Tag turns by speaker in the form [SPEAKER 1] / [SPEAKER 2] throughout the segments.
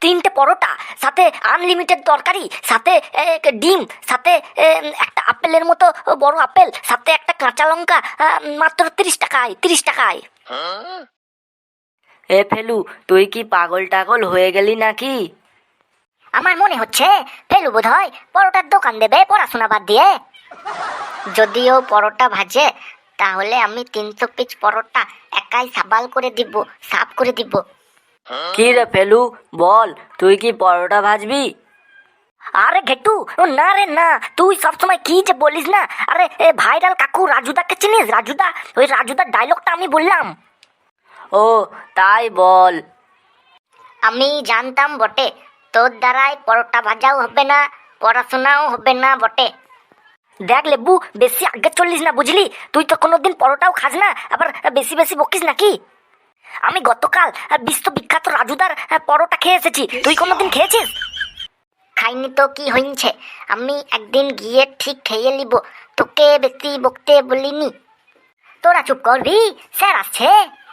[SPEAKER 1] তিনটে পরোটা, সাথে আনলিমিটেড তরকারি, সাথে ডিম, সাথে একটা আপেলের মতো বড় আপেল, সাথে একটা কাঁচা লঙ্কা, মাত্র 30 টাকায়, 30 টাকায়। এ ফেলু, তুই কি পাগল টাগল হয়ে গেলি নাকি? আমার মনে হচ্ছে ফেলু বোধহয় পরোটার দোকান দেবে পড়াশোনা বাদ দিয়ে। যদিও পরোটা ভাজে, তাহলে আমি 300 পিস পরোটা একাই সাবাল করে দিব, সাফ করে দিব। কি রে ফেলু, বল, তুই কি পরোটা ভাজবি? আরে ঘেটু, না রে না, তুই সবসময় কি যে বলিস না। আরে ভাইরাল কাকু রাজুদাকে চিনিস? রাজুদা, ওই রাজুদার ডায়লগটা আমি বললাম। ও তাই বল। আমি জানতাম বটে, তোর দ্বারাই পরোটা ভাজাও হবে না, পড়াশোনাও হবে না বটে। দেখ লেবু, বেশি আগে চললিস না, বুঝলি? তুই তো কোনোদিন পরোটাও খাস না, আবার বেশি বেশি বকিস নাকি? আমি গতকাল বিশ্ববিখ্যাত রাজুদার পরোটা খেয়ে এসেছি, তুই কোনোদিন খেয়েছিস? খাইনি তো কি হয়েছে, আমি একদিন গিয়ে ঠিক খেয়ে নিব, তোকে বেশি বকতে বলিনি। তোরা চুপ করবি, স্যার আসছে।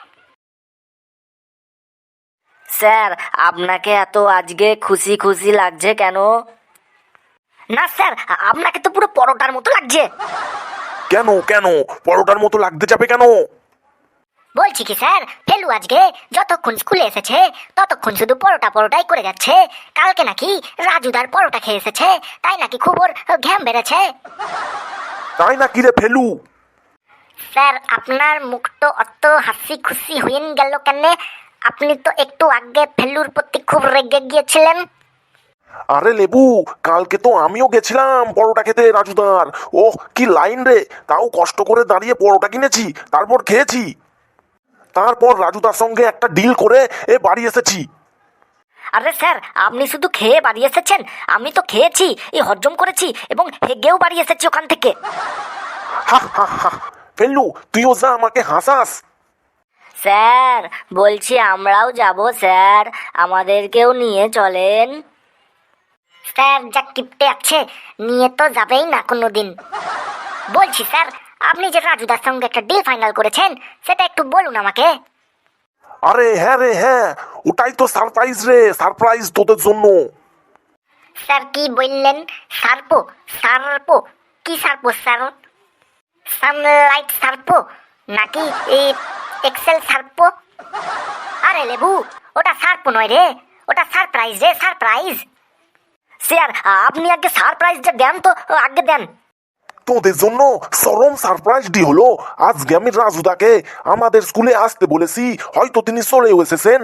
[SPEAKER 1] স্যার, আপনাকে এত আজকে খুশি খুশি লাগছে কেন? না স্যার, আপনাকে তো পুরো পরোটার মতো লাগছে।
[SPEAKER 2] কেন কেন পরোটার মতো লাগতে যাবে কেন?
[SPEAKER 1] বলছি কি স্যার, ফেলু আজকে যতক্ষণ স্কুলে এসেছে ততক্ষণ শুধু পরোটা পরোটাই করে যাচ্ছে। কালকে নাকি রাজুদার পরোটা খেয়ে এসেছে, তাই নাকি খুব ওর ঘ্যাম বেড়েছে।
[SPEAKER 2] তাই নাকি রে ফেলু?
[SPEAKER 1] স্যার, আপনার মুখ তো অত হাসি খুশি হয়ে গেল কেন? আপনি তো একটু আগে ফেলুর প্রতি খুব রেগে গিয়েছিলেন।
[SPEAKER 2] আরে লেবু, কালকে তো আমিও গেছিলাম পরোটা খেতে রাজুদার। ওহ কি লাইন রে, তাও কষ্ট করে দাঁড়িয়ে পরোটা কিনেছি, তারপর খেয়েছি। তারপর রাজুদার সঙ্গে একটা ডিল করে বাড়ি এসেছি।
[SPEAKER 1] আরে স্যার, আপনি শুধু খেয়ে বাড়ি এসেছেন? আমি তো খেয়েছি, হজম করেছি এবং হেগেও বাড়ি এসেছি ওখান থেকে।
[SPEAKER 2] হা হা হা, ফেলু তুইও যা আমাকে হাসাস।
[SPEAKER 1] স্যার বলছি, আমরাও যাব স্যার, আমাদেরকেও নিয়ে চলেন। স্যার যা কিপটে আছে, নিয়ে তো যাবেই না কোনোদিন। বলছি স্যার, আপনি যে রাজুদার সঙ্গে একটা ডিল ফাইনাল করেছেন, সেটা একটু বলুন আমাকে।
[SPEAKER 2] আরে হ্যাঁ রে হ্যাঁ, ওটাই তো সারপ্রাইজ রে, সারপ্রাইজ তোদের জন্য।
[SPEAKER 1] স্যার কি বললেন? সার্পো? সার্পো? কি সার্পো স্যার? সানলাইট সার্পো নাকি এই এক্সেল সার্পো? আরে লেবু, ওটা সার্পো নয় রে, ওটা সারপ্রাইজ রে, সারপ্রাইজ। স্যার আপনি আগে সারপ্রাইজটা দেন তো, আগে দেন।
[SPEAKER 2] তোদের জন্য চরম সারপ্রাইজ ডি হলো। আজকে আমি রাজুদাকে আমাদের স্কুলে আসতে বলেছি, হয়তো তিনি চলেও এসেছেন।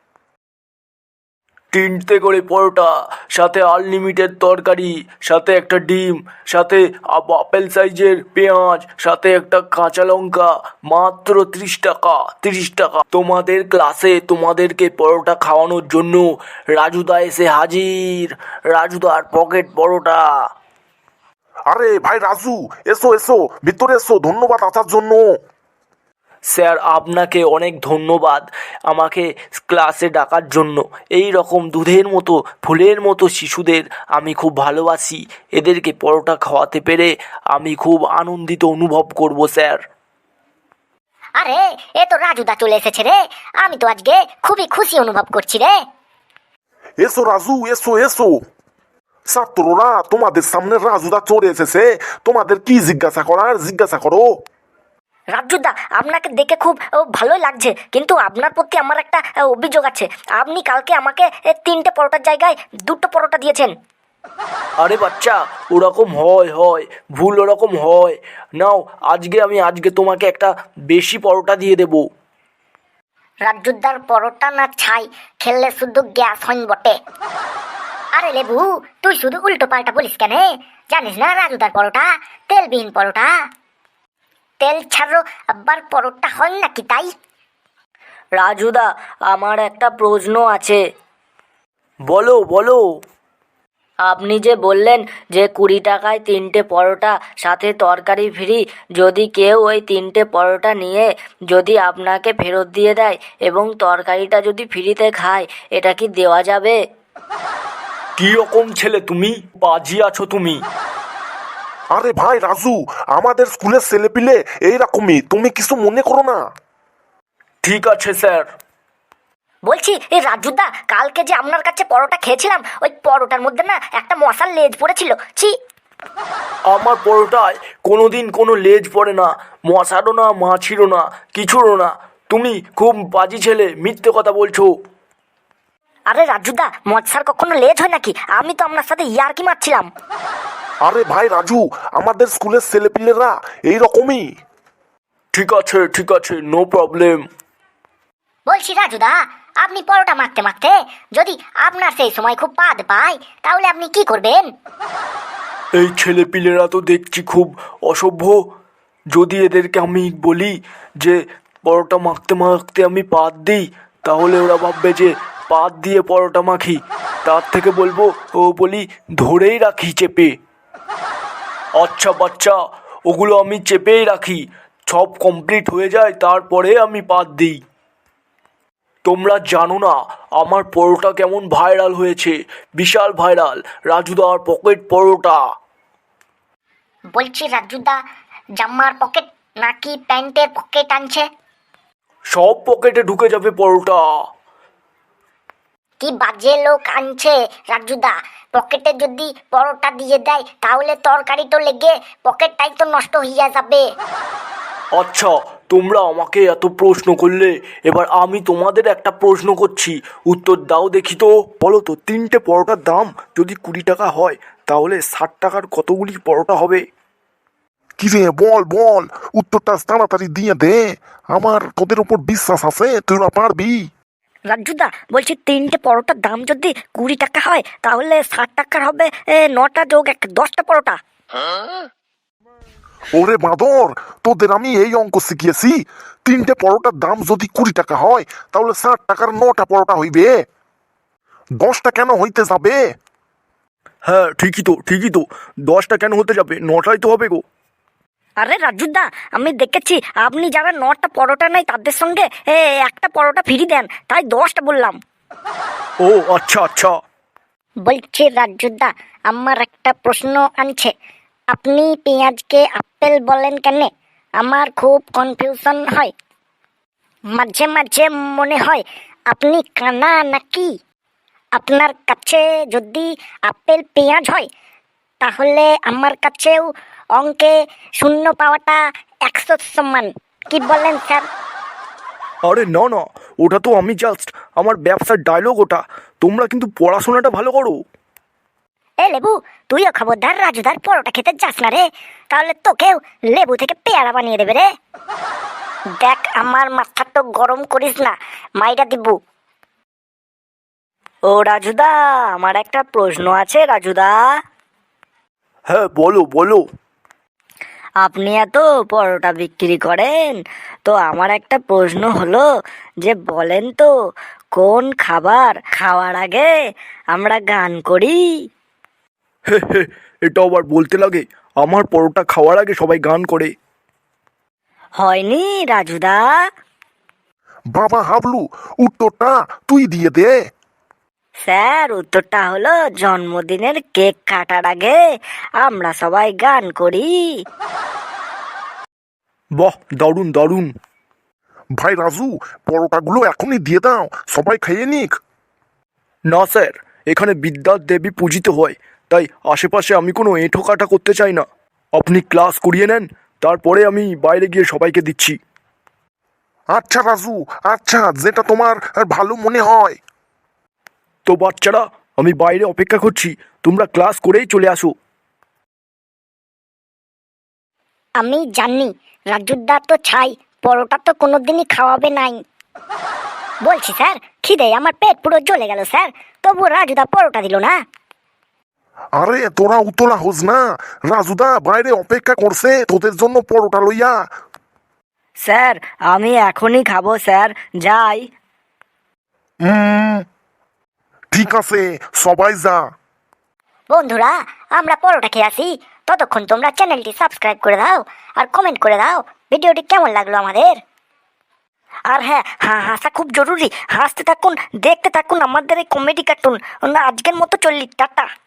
[SPEAKER 3] 3টে করে পরোটা, সাথে আনলিমিটেড তরকারি, সাথে একটা ডিম, সাথে আপেল সাইজের পেঁয়াজ, সাথে একটা কাঁচা লঙ্কা, মাত্র 30 টাকা, 30 টাকা। তোমাদের ক্লাসে তোমাদেরকে পরোটা খাওয়ানোর জন্য রাজুদা এসে হাজির, রাজুদার পকেট পরোটা।
[SPEAKER 2] আরে ভাই রাজু, এসো এসো, ভিতরে এসো, ধন্যবাদ আসার জন্য।
[SPEAKER 3] স্যার আপনাকে অনেক ধন্যবাদ আমাকে ক্লাসে ডাকার জন্য। এই রকম দুধের মতো ফুলের মতো শিশুদের আমি খুব ভালোবাসি, এদেরকে পরোটা খাওয়াতে পেরে আমি খুব আনন্দিত অনুভব করব স্যার।
[SPEAKER 1] আরে এ তো রাজুদা চলে এসেছে রে, আমি তো আজকে খুবই খুশি অনুভব করছি রে।
[SPEAKER 2] এসো রাজু, এসো এসো। ছাত্ররা, তোমাদের সামনে রাজুদা চলে এসেছে, তোমাদের কি জিজ্ঞাসা করার জিজ্ঞাসা করো।
[SPEAKER 1] রাজুদা, আপনাকে দেখে খুব ভালোই লাগছে, কিন্তু আপনার প্রতি আমার একটা অভিযোগ আছে। আপনি কালকে আমাকে 3টে পরোটার জায়গায় 2টো পরোটা দিয়েছেন।
[SPEAKER 3] আরে বাচ্চা, ওরকম হয়, ভুল ওরকম হয়। নাও, আজকে তোমাকে একটা বেশি পরোটা দিয়ে দেবো।
[SPEAKER 1] রাজুদার পরোটা না ছাই, খেললে শুধু গ্যাস হইন বটে। আরে লেবু, তুই শুধু উল্টো পাল্টা বলিস কেন? জানিস না রাজুদার পরোটা তেলবিহীন পরোটা, তেল ছাড়ো আবার পরোটা হয় নাকি তাই? রাজুদা, আমার একটা প্রশ্ন আছে।
[SPEAKER 3] বলো বলো।
[SPEAKER 1] আপনি যে বললেন যে 20 টাকায় 3টে পরোটা সাথে তরকারি ফ্রি, যদি কেউ ওই 3টে পরোটা নিয়ে যদি আপনাকে ফেরত দিয়ে দেয় এবং তরকারিটা যদি ফ্রিতে খায়, এটা কি দেওয়া যাবে?
[SPEAKER 3] কি রকম ছেলে তুমি, বাজি আছো তুমি।
[SPEAKER 2] আরে ভাই রাজু, আমাদের স্কুলের ছেলেপিলে এইরকমই, তুমি কিছু মনে করো না।
[SPEAKER 3] ঠিক আছে স্যার।
[SPEAKER 1] বলছি এই রাজুদা, কালকে যে আপনার কাছে পরোটা খেয়েছিলাম, ওই পরোটার মধ্যে না একটা মশার লেজ পড়েছিল। ছি!
[SPEAKER 3] আমার পরোটায় কোনোদিন কোনো লেজ পড়ে না, মশারও না, মাছিরও না, কিছুরও না। তুমি খুব বাজে ছেলে, মিথ্যে কথা বলছো।
[SPEAKER 1] আরে রাজুদা, মশার কখনো লেজ হয় নাকি? আমি তো আপনার সাথে ইয়ার্কি মারছিলাম।
[SPEAKER 2] আরে ভাই রাজু, আমাদের স্কুলের ছেলেপিলেরা এইরকমই।
[SPEAKER 3] ঠিক আছে, নো প্রবলেম।
[SPEAKER 1] বলছি রাজুদা, আপনি পরোটা মাখতে মাখতে যদি আপনার সেই সময় খুব পাদ পায়, তাহলে আপনি কি করবেন?
[SPEAKER 3] এই ছেলেপিলেরা তো দেখছি খুব অসভ্য। যদি এদেরকে আমি বলি যে পরোটা মাখতে মাখতে আমি পাত দিই, তাহলে ওরা ভাববে যে পাত দিয়ে পরোটা মাখি। তার থেকে বলবো বলি ধরেই রাখি চেপে। আচ্ছা বাচ্চা, ওগুলো আমি চেপেই রাখি, সব কমপ্লিট হয়ে যায় তারপরে আমি পাত দিই। তোমরা জানো না আমার পরোটা কেমন ভাইরাল হয়েছে, বিশাল ভাইরাল, রাজুদার পকেট পরোটা।
[SPEAKER 1] বলছি রাজুদা, জামার পকেট নাকি প্যান্টের পকেট আনছে?
[SPEAKER 3] সব পকেটে ঢুকে যাবে পরোটা।
[SPEAKER 1] কি বাজে লোক আনছে রাজুদা! পকেটে যদি পরোটা দিয়ে দেয়, তাহলে তরকারি তো লেগে পকেটটাই তো নষ্ট হইয়া যাবে।
[SPEAKER 3] আচ্ছা, তোমরা আমাকে এত প্রশ্ন করলে, এবার আমি তোমাদের একটা প্রশ্ন করছি, উত্তর দাও দেখি তো। বলো তো, 3টে পরোটার দাম যদি 20 টাকা হয়, তাহলে 60 টাকার কতগুলি পরোটা হবে?
[SPEAKER 2] কি রে, বল বল, উত্তরটা তাড়াতাড়ি দিয়ে দে। আমার তোদের উপর বিশ্বাস আছে, তুই না পারবি।
[SPEAKER 1] রাজুদা, বলছি 3টে পরোটার দাম যদি 20 টাকা হয়, তাহলে 60 টাকার হবে 9টা যোগ 1, 10টা পরোটা।
[SPEAKER 2] ওরে বাঁদর, তোদের আমি এই অঙ্ক শিখিয়েছি। 3টে পরোটার দাম যদি 20 টাকা হয়, তাহলে 60 টাকার 9টা পরোটা হইবে। 10টা কেন হইতে যাবে?
[SPEAKER 3] হ্যাঁ ঠিকই তো, 10টা কেন হতে যাবে, 9টাই তো হবে গো।
[SPEAKER 1] আরে রাজুদা, আমি দেখেছি আপনি যারা 9টা পরোটা নেয় তাদের সঙ্গে একটা পরোটা ফ্রি দেন, তাই 10টা বললাম।
[SPEAKER 3] ও আচ্ছা।
[SPEAKER 1] বলছি রাজুদা, আমার একটা প্রশ্ন আনছে। আপনি পেঁয়াজকে আপেল বলেন কেন? আমার খুব কনফিউশন হয়। মাঝে মাঝে মনে হয় আপনি কানা নাকি? আপনার কাছে যদি আপেল পেঁয়াজ হয়, তাহলে আমার কাছেও অঙ্কে শূন্য পাওয়াটা 100 সমান। কি বলেন স্যার?
[SPEAKER 3] আরে না, ওটা তো আমি জাস্ট আমার ব্যবসার ডায়লগ ওটা। তোমরা কিন্তু পড়াশোনাটা ভালো করো।
[SPEAKER 1] এ লেবু, তুইও খবরদার রাজুদার পরোটা খেতে যাস না রে, তাহলে তোকেও লেবু থেকে পেয়ারা বানিয়ে দেবে রে। দেখ, আমার মাথা তো গরম করিস না, মাইরা দিবু। ও রাজুদা, আমার একটা প্রশ্ন আছে রাজুদা।
[SPEAKER 3] হ্যাঁ বলো।
[SPEAKER 1] আপনি এত পরোটা বিক্রি করেন, তো আমার একটা প্রশ্ন হলো যে বলেন তো, কোন খাবার খাওয়ার আগে আমরা গান করি?
[SPEAKER 3] হে, এটা আবার বলতে লাগে? আমার পরোটা খাওয়ার আগে সবাই গান করে।
[SPEAKER 1] হয়নি রাজুদা?
[SPEAKER 2] বাবা হাবলু, উত্তরটা তুই দিয়ে দে।
[SPEAKER 1] স্যার, উত্তরটা হলো জন্মদিনের কেক কাটার আগে আমরা সবাই গান করি।
[SPEAKER 3] বাহ, দারুণ।
[SPEAKER 2] ভাই রাজু, পরোটাগুলো এখনই দিয়ে দাও, সবাই খেয়ে নিক।
[SPEAKER 3] না স্যার, এখানে বিদ্যার দেবী পূজিত হয়, তাই আশেপাশে আমি কোনো এঁঠো কাটা করতে চাই না। আপনি ক্লাস করিয়ে নেন, তারপরে আমি বাইরে গিয়ে সবাইকে দিচ্ছি।
[SPEAKER 2] আচ্ছা রাজু, আচ্ছা, যেটা তোমার ভালো মনে হয়।
[SPEAKER 3] তো বাচ্চারা, আমি বাইরে অপেক্ষা করছি, তোমরা ক্লাস করেই চলে আসো।
[SPEAKER 1] আমি জানি রাজুদা তো ছাই, পরোটা তো কোনোদিনই খাওয়াবে নাই। বলছি স্যার, খিদে আমার পেট পুরো জ্বলে গেল স্যার, তবু রাজুদা পরোটা দিল না।
[SPEAKER 2] আরে তোরা উতলা হোস না, রাজুদা বাইরে অপেক্ষা করছে তোদের জন্য পরোটা লইয়া।
[SPEAKER 1] স্যার, আমি এখনই খাবো স্যার, যাই।
[SPEAKER 2] ঠিক আছে, সবাই যা।
[SPEAKER 1] বন্ধুরা, আমরা পরোটা খেয়ে আসি, ততক্ষণ তোমরা চ্যানেলটি সাবস্ক্রাইব করে দাও আর কমেন্ট করে দাও ভিডিওটি কেমন লাগলো আমাদের। আর হ্যাঁ, হাসা খুব জরুরি, হাসতে থাকুন, দেখতে থাকুন আমাদের এই কমেডি কার্টুন। আজকের মতো চললি, টাটা।